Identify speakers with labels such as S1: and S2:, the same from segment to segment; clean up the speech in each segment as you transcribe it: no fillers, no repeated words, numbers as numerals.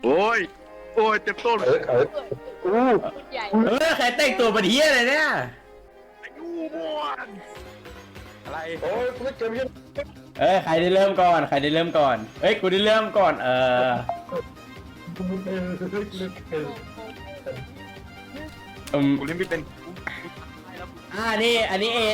S1: โอ้ยโอ้ยเจ็บต้น
S2: ใหญ่
S3: ใครแต่งตัวเป็นเฮียอะไรเนี่ย
S1: อายุมวนอะไร
S4: โอ้ยกูเจ็บยัง
S3: ใครได้เริ่มก่อนใครได้เริ่มก่อนกูได้เริ่มก่อน
S1: กูเล่นไม่เป็น
S3: นี่อันนี้เอ็ด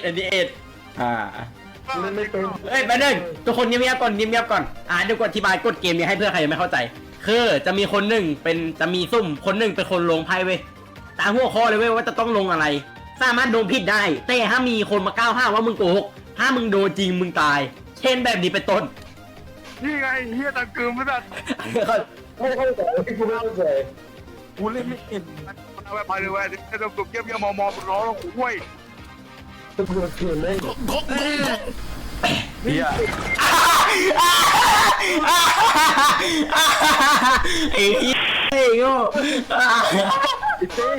S4: กูเล่นไม่เป็น
S3: แป๊บนึงทุกคนเงียบๆก่อนเงียบๆก่อนเดี๋ยวกูอธิบายกฎเกมนี้ให้เพื่อใครยังไม่เข้าใจคือจะมีคนหนึ่งจะมีซุ่มคนหนึ่งเป็นคนลงไพ่เว้ยตามหัวข้อเลยเว้ยว่าจะต้องลงอะไรสามารถโดนผิดได้แต่ถ้ามีคนมาก้าวห้ามว่ามึงโกหกถ้ามึงโดนจริงมึงตายเช่นแบบนี้เป็นต้น
S1: นี่ไงเฮียตะกึมไม่ได้
S4: ไม่เข้าใจกูไม่เข้าใจ
S1: กูเล่นไม่เป็นเอาไปเลยเว้ยจะโดนกบเยี่ยมมองร้องโว้ย
S4: ตำรวจเถื่อนเลย
S1: เฮีย
S3: ไอ้เหี้ยไอ้โง่
S1: เต้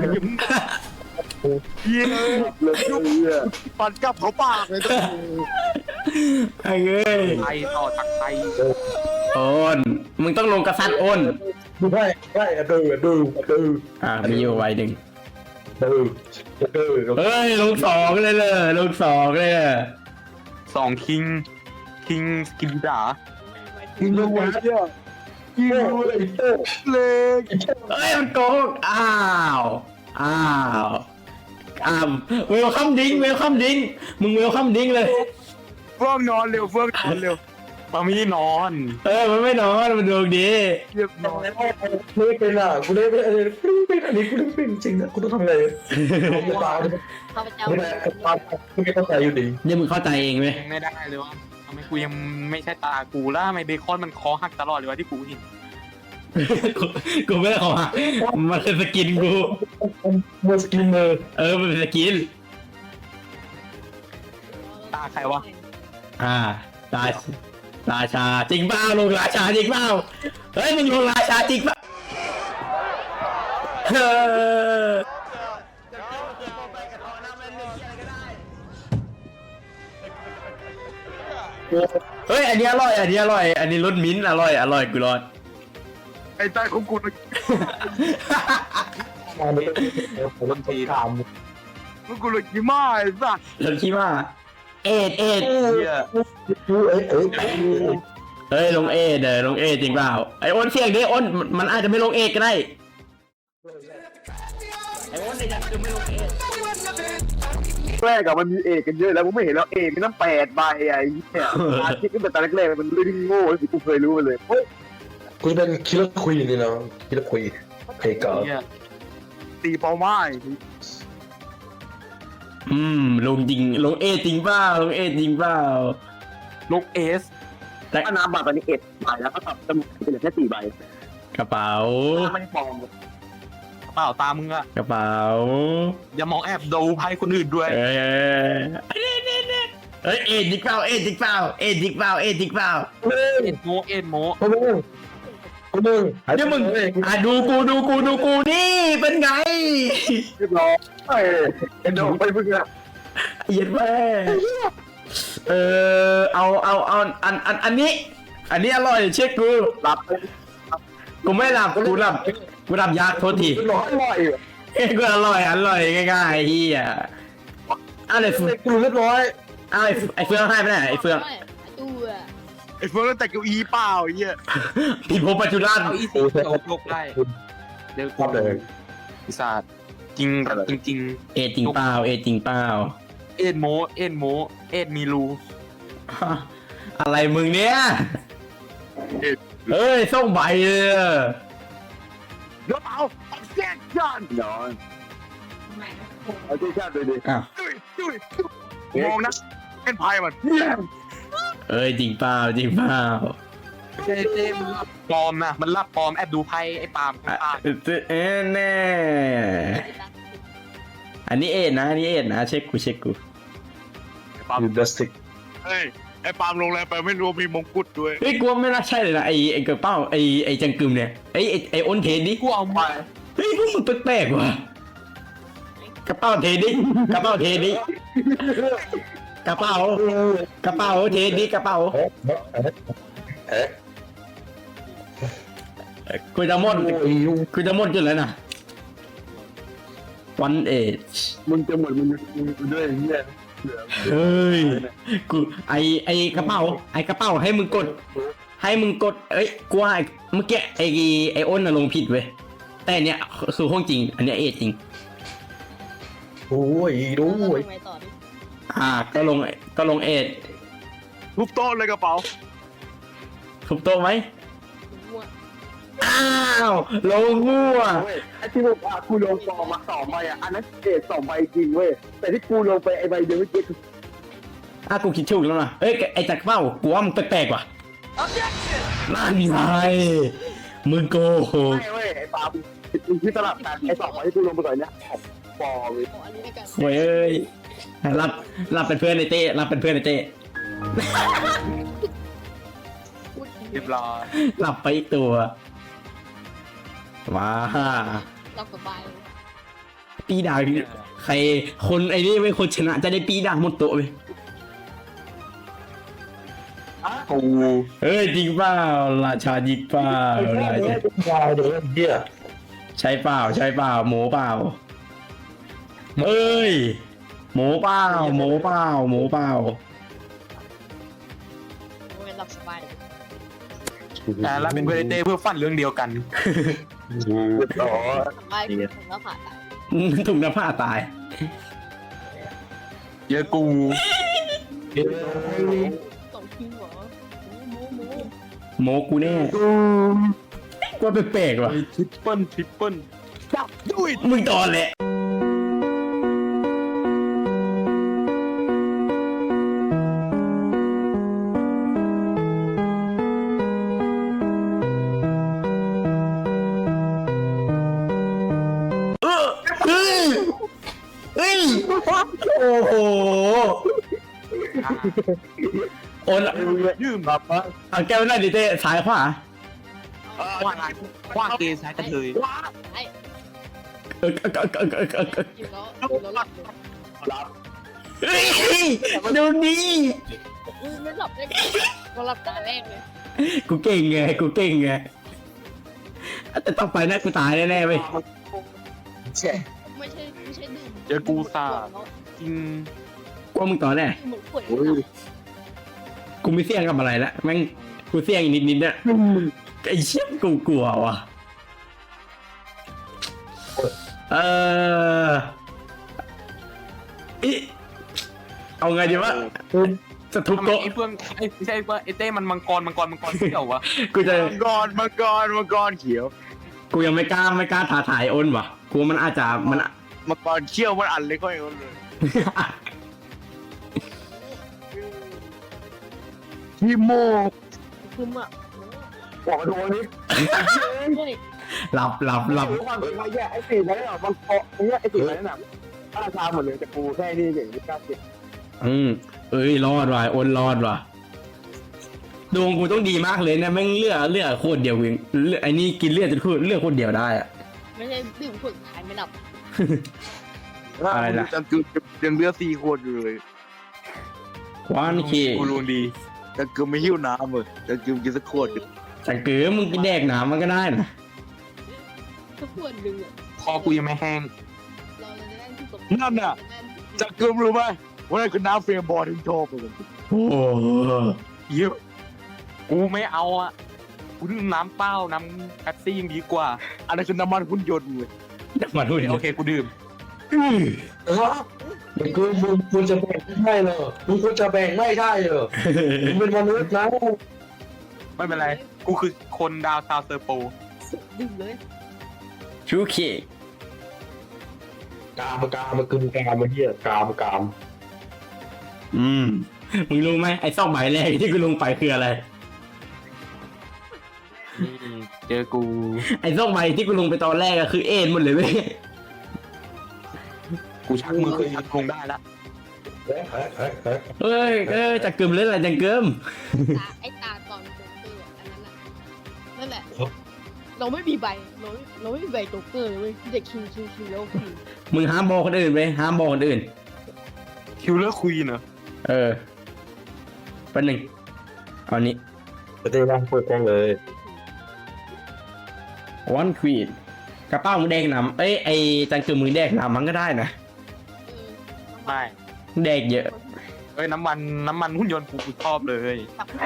S1: เฮียยุบปันกับเขาปากเลยตัว
S3: ไอ้เอ้ย
S1: ไทยต่อตักไทย
S3: โอนมึงต้องลงกระซัดโอน
S4: ดูได้ดู
S3: มีอยู่ไว้หนึ่ง
S4: ดู
S3: ลงสองเลยลงสองเลย
S1: สองคิงสกินดา
S4: มึงดูไว้เนี่ยโง่เลย
S1: เลย
S3: มันโกงเวลคัมดิ้งมึงเวลคัมดิ้งเลย
S1: เฟื่องนอนเร็วมามีนอน
S3: มันไม่นอนมันดวงดี
S1: เรียบนอน
S4: ไม่เป็นอ่ะกูเล่นไม่เป็นอันนี้กูเล่นเป็นจริงนะกูต้องทำไงกูตาย
S2: ข้าพเจ้า
S4: ไม่เข้าใจอยู่ดี
S3: เนี่ยมึงเข้าใจเองไหม
S1: ไม่ได้เลยวะทำไมกูยังไม่ใช่ตากูแล้วทำไมเบคอนมันคอหักตลอดเลยวะที่กูเห็น
S3: กูไม่ได้ขอมันเป็นสกินกู
S4: มือสกินมือ
S3: มันเป็นสกิน
S1: ตาใครวะ
S3: ราชาจริงเปล่าลงราชาจริงเปล่ามึงลงราชาจริงเปล่าอันนี้อร่อยอันนี้รสมิ้นท์อร่อยกูรอด
S1: ไอ้ใจของกู
S4: มาไม่ได้ผมต้องตีตาม
S1: กูเลยกี่มาไอ้สัส
S3: รสขี้มาเอ็ด
S1: เฮีย
S3: ลงเอ็ดลงเอ็ดจริงเปล่าไอโอนเสียงดิโอนมันอาจจะไม่ลงเอ็ดก็ได้ไอโอนเนี่ยจะไม่ลงเอ็ด
S1: แรกอะมันมีเอกกันเยอะแล้วกูไม่เห็นแล้วเอกมีตั้ง8 ใบไอ้เนี่ยอาทิตย์ตั้งแต่ตอนแรกๆมันเรื่องโง่ที่กูเคยรู้มาเลย
S4: กูจะเป็นคิลเลอร์ควีนนี่นะคิลเลอร์ควีนเพกา
S1: ตีเป้าไม้
S3: ลงจริงลงเอ็ดจริงเปล่าลงเอ็ดจริงเปล่า
S1: ลงเอส
S3: แต่
S1: ถ้าน้ำบัตรตอนนี้ใบแล้วก็ตัดจมูกเป็นเหลือแค่4 ใบ
S3: กระเป๋า
S1: ไม่ปลอมเปล่าตามึงอะ
S3: กระเป๋า
S1: อย่ามองแอบดูไพ่คนอื่นด้วย
S3: เอ็ดจริงเปล่าเอ็ดจริงเปล่าเอ็ดจริงเปล่าเอ็ดจริงเปล่า
S1: เอ็ดโม
S4: กูมึง
S3: เดี๋ยวมึงดูกูนี่เป็นไง
S4: เรียบร้อยไอ้ดอกไปมึงอะ
S3: เย็นแม่เอาอันนี้อร่อยเช็คกู
S1: หลับ
S3: กูไม่หลับกูหลับยากโทษที
S4: ร้อยบ่อย
S3: กูอร่อยง่ายๆเฮียอะไร
S4: กูเรียบร้อย
S3: ไอเฟืองให้ไปไหนไอเฟือง
S2: ตัว
S1: ไอ้เฟิร์นแต่เก้าอี้เปล่าไอ้เหี้ย
S3: พี่พบปัจจุบัน
S1: เอาอีสีโลกได้เดี๋ยว
S4: ชอบเลย
S1: ปีศาจจริงแบบจริง
S3: เอ็ดจริงเปล่า
S1: เอ็ดโมเอ็ดมีรู
S3: อะไรมึงเนี่ยเฮ้ยส่งใบเลย
S1: เดี๋ยวเอาแจ้งยันย้อนเอาที่ชาติเลยดิ
S3: อ้าว
S1: มองนะเป็นพายมัน
S3: จริงเปล่า
S1: เจมันรับปลอมนะมันรับปลอมแอบดูไพ่ไอ้ปาล์ม
S3: แน่อันนี้เอ็ดนะเช็คกู
S1: ปาล์ม
S4: ยูดัสติก
S1: เฮ้ยไอ้ปาล์มลงแรงไปไม่รู้มีมงกุฎด้วย
S3: เฮ้ยกูไม่น่าใช่เลยนะไอ้กระเป๋าไอ้จังกึมเนี่ยไอ้อ้นเทนดิ
S1: กูเอาไป
S3: เฮ้ยพวกมึงแปลกๆว่ะกระเป๋าเทนดิกระเป๋าเทนดิกระเป๋าเทนดิกระเป๋ากูจะหมดกูจะหมดอยู่แล้วนะวันเอช
S1: มึงจะหมดมึงด้วยเหี้ย
S3: เฮ้ยกูไอกระเป๋าให้มึงกด เอ้ยกูว่าเมื่อกี้ไออ้นน่ะลงผิดเว้ยแต่อันเนี้ยคือห้องจริง อันเนี้ยเอจริง
S4: โอ้ยดูโอ้ย
S2: ทำไมต่อดิ
S3: ก็ลงเอจ
S1: ทุบโต๊ะเลยกระเป๋า
S3: ทุบโต๊ะไหม
S2: มั่ว
S3: อ้าวลงมั่ว
S1: เว้ยไอ้ที่บอกว่ากูลงซองมา2ใบอ่ะอันนั้นเอท2ใบจริงเว้ยแต่ที่กูลงไปไอ้ใบเดียวเมื่อกี้คือ
S3: กูคิดถูกแล้วนะเอ้ยไอจักรเป้ากูว่ามึงแปลกๆว่ะนั่นไงมึงโกหก
S1: ไม่เว้ยไอ้ปามึงที่ตลับกันไอ้2ใบที่กูลงไปก่อนเนี่ยของปอเลย
S2: ขออันนี้แล้วกัน
S3: โว้ยเอ้ยรับเป็นเพื่อนในเต้รับเป็นเพื่อนในเต้
S2: พูดถึง
S5: เรียบร้อย
S3: หลับไปอีกตัวว้า
S2: เราสบาย
S3: ปีด่างใครคนไอ้นี่ไม่คนชนะจะได้ปีด่างหมดตัวไป
S5: กู
S3: เฮ้ยจริงเปล่าราชาจริงเปล่าราชา
S4: ยาวเดี๋ยวเหี้ย
S3: ใช่เปล่าหมูเปล่าเอ้ยหมูเปล่า
S2: โอ้ยหลับสบาย
S5: แต่เราเป็นเพื่อนเต้เพื่อฝันเรื่องเดียวกัน
S1: อ๋อ
S2: สบายผมแล้วผ่าน
S3: ถุงน้ำผ้าตาย
S5: เยอะกู
S2: ส่งทีมเหรอหมู
S3: โมกูแน่ว่าแปลกๆว่ะ
S5: ทริปเปิลจับด้วย
S3: มึงตอนแหละเฮ้ยโอ้โหโอน
S5: ยืม
S1: แบบว่า
S3: เอาแก้วหน้าดิเต้ซ้ายขวา
S5: คว้างเกย์ซ้ายกระเทย
S2: ไอ้
S3: เออ
S2: อยู่แล้วหลับเลย
S1: รับ
S3: เฮ้ยดูนี่
S2: ไม่หลับได้เราหลับตาแรกเลย
S3: กูเก่งไงแต่ต้องไปนะกูตายแน่ๆเว้ย
S2: ไม่ใช่ดื่ม
S5: เยอะกูซ่าจริง
S3: กลัวมึงต่อแน่
S2: เหมือนป่วย
S1: โอ้ย
S3: กูไม่เสี่ยงกับอะไรละแม่งกูเสี่ยงอีกนิดๆเนี่ยไอ้เชี่ยกูกลัวว่ะอิเอาไงดีวะจะทุบ
S5: ทำไม
S3: โต๊ะ
S5: ไอ้เพื่อนไม่ใช่ว่าไอ้เต้มันมังกรเที่ยววะ
S3: กูจะ
S1: มังกรเขียว
S3: กูยังไม่กล้าท้าทายอ้นว่ะกูมันอาจจะมัน
S1: มังกรเขี้ยวมันอันเล็กก็อย่างนั้นเลยพี่โมก
S2: คืออ่ะ
S1: บอกมาดูอันนี้
S2: นี่
S3: หลับ
S1: ความเป็นมาแย่ไอ้สีนั้นน่ะมันเกาะไอ้สีนั้นน่ะถ้าชาหมดเลยแต่กูแค่นี้เก่งไม่กล้าเก็บ
S3: เอ้ยรอดว่ะอ้นรอดว่ะดวงกูต้องดีมากเลยนะแม่งเลือดโคตรเดียวเองไอ้นี่กินเลือดจนเลือดโคตรเดียวได้อะ
S2: ไม่ใช่ดื่มขวดท้ายไม่หลับ
S3: อะไรล่ะ
S1: จังคือยังเลือด4 ขวดอยู่เลย
S3: ควานเค
S5: กูรู้ดี
S1: จังคือไม่หิ้วน้ำเลยจังคือกินสักขวด
S3: จังเก๋มึงกินแดกหนามันก็ได้นะ
S2: ทุกขวดดื่ม
S5: คอกูยังไม่แห้ง
S2: เราจะได้ที่ตก
S1: นั่นน่ะจังคือรู้ไหมว่านั่นคือน้ำเฟรมบอลที่ชอบเลย
S3: โอ้โห
S5: เยอะกูไม่เอาอ่ะกูดื่มน้ำเปล่าน้ำแป๊บซี่ยังดีกว่า
S1: อันนั้นคือน้ำมันหุ่นยนต์เลย
S3: จังหวะดูดิ
S5: โอเคกูดื่ม
S4: มันคือมึงจะแบ่งไม่ได้เหรอมึงควรจะแบ่งไม่ได้เหรอมึงเป็นมนุษย์นะ
S5: ไม่เป็นไรกูคือคนดาวซาวเซอร์โป
S2: ดื่มเลย
S3: ชูเค
S4: กามมันคือกามมันเหี้ยกาม
S3: มึงรู้ไหมไอ้ซอกใบแรกที่กูลงไปคืออะไร
S5: นี่เจอกู
S3: ไอ้ซอกใบที่กูลงไปตอนแรกอะคือเอ็นหมดเลยเว้ย
S5: กูชักมือขึ้นชักลงได้ละ
S3: เฮ้ยจะกึมเล่นอะไรจังเกิม
S2: ไอ้ตาตอนโจ๊กเกอร์อันนั้นนั่นแหละเราไม่มีใบเราไม่มีใบโจ๊กเกอร์เลยเด็กคิวแล้วคิว
S3: มึงห้ามบอกคนอื่นไปห้ามบอกคนอื่น
S5: คิวเลอร์ควีนเหรอ
S3: แป๊บนึงเอานี้
S4: จะได้ร่างเปิดกล้องเลย
S3: วันควีนกระเป๋ามึงแดกน้ำเอ้ยไอจังคือมึงแดกน้ำมันก็ได้นะ
S2: เออ
S5: ไม่
S3: แดกเยอะ
S5: เอ้ยน้ำมันหุ่นยนต์กูชอบเลย
S2: ตับหัว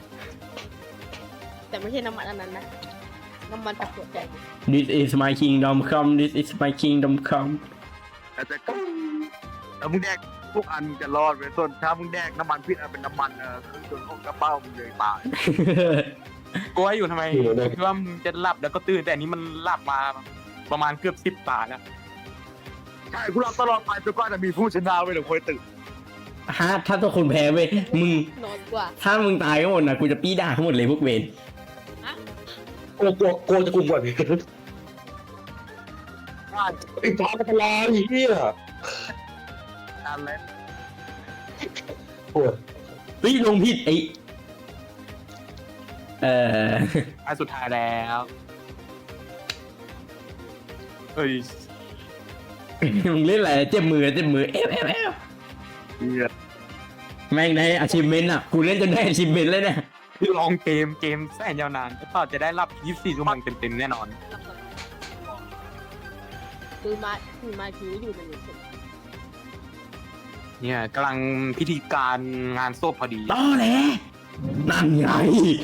S2: แต่ไม่ใช่น้ำมันอันนั้นนะน้ำมันตับหัวใจ
S3: This is my kingdom come This is my kingdom come
S1: แต่ถ้ามึงแดกพวกอันจะรอดเว้ยส่วนถ้ามึงแดกน้ำมันพิษอันเป็นน้ำมันเครื่องยนต์ของกระเป๋ามึงเลยตาย
S5: กูว่าอยู่ทำไมคิดว่ามึงจะหลับแล้วก็ตื่นแต่อันนี้มันหลับมาประมาณเกือบ10 ตาแล้ว
S1: ใช่กูรับตลอดไปจนกว่าจะมีผู้ชนะเว้ยเดี๋ยวคอยตื่น
S3: ฮะถ้าตัวคนแพ้เว้ยมึง
S2: นอนกว่า
S3: ถ้ามึงตายก็หมดนะกูจะปี้ด่าทั้งหมดเลยพวกเวร
S4: กูจะกลุ่มก่อนไอ้ฟ้าเป็นไรเฮีย
S1: การเล่น
S4: ปวด
S3: เฮ้ยลงผิดไออ
S5: อันสุดท้ายแล้วเอ้ย
S3: มึงเล่นอะไรเจ็บมือเอฟ
S1: เหี้ย
S3: แม่งได้อาชีพเมนต์อ่ะกูเล่นจนได้อาชีพเมนต์เลยเนี่ย
S5: คือลองเกมแสนยาวนานก็จะได้รับ24 ชั่วโมงเต็มๆแน่นอน
S2: คือมาถืออยู่ในนี้
S5: เนี่ยกำลังพิธีการงานศพพอดี
S3: ต่อแหละนั่นไง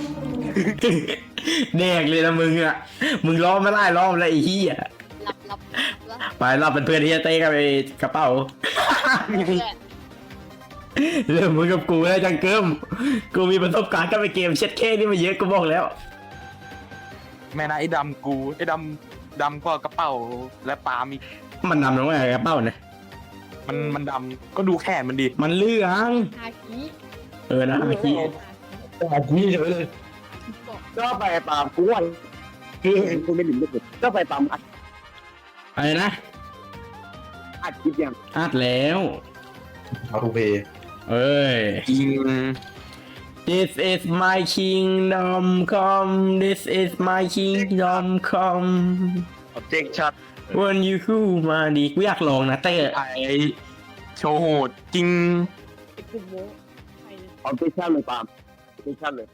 S3: แดกเลยนะมึงอ่ะมึงรอบไม่ได้รอบแล้วไอ้เหี้ย
S2: รับ
S3: ไปรอบเป็นเพื่อนที่จะเต้กับไอ้กระเป๋า
S2: แหละ
S3: เริ่มมึงกับกูแล้วจังเกิมกูมีประสบการณ์กับไอ้เกมเช็ดเคนี่มาเยอะกูบอกแล้ว
S5: แม่นะไอ้ดำก็กระเป๋าและปาล์มอีก
S3: มันนำน้องไอ้กระเป๋าเนี่ย
S5: มันดำก็ดูแขนมันดี
S3: มันเลื่อง
S2: ฮาคิ
S3: นะเมื่อกี้
S4: แต่กูนี่เลย
S2: บอก
S1: ก็ไปตามกูวันคือเห็นกูไม่หลิมเลยก็ไปตาม
S3: อะไรนะ
S1: อัดคลิปยัง
S3: อัดแล้ว
S4: เอาทูเพย์
S3: เอ้ย
S5: จริง
S3: This is my kingdom come This is my kingdom come
S1: เจ๊งชัด
S3: When you who มาดีกูอยากลองนะเต้
S5: ไอโชว์โหดจริง
S2: ไอ้กลุ่มโม้ไปเลย
S1: เอาเจ๊งชัดเลยตามเจ๊งชัดเลย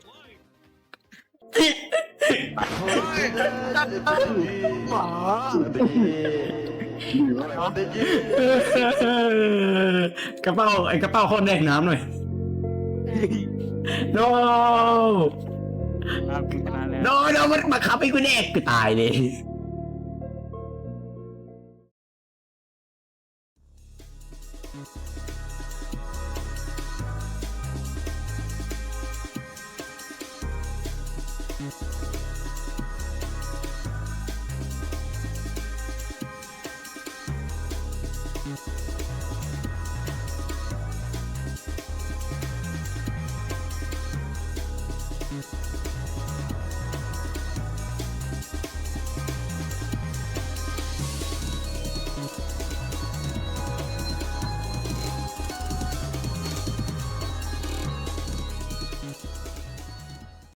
S3: กระเป๋าไอ้กระเป๋าคนแดกน้ำหน่อย no
S5: ครับชนะแล้ว
S3: no มันบังคับให้กูแดกกูตายเลย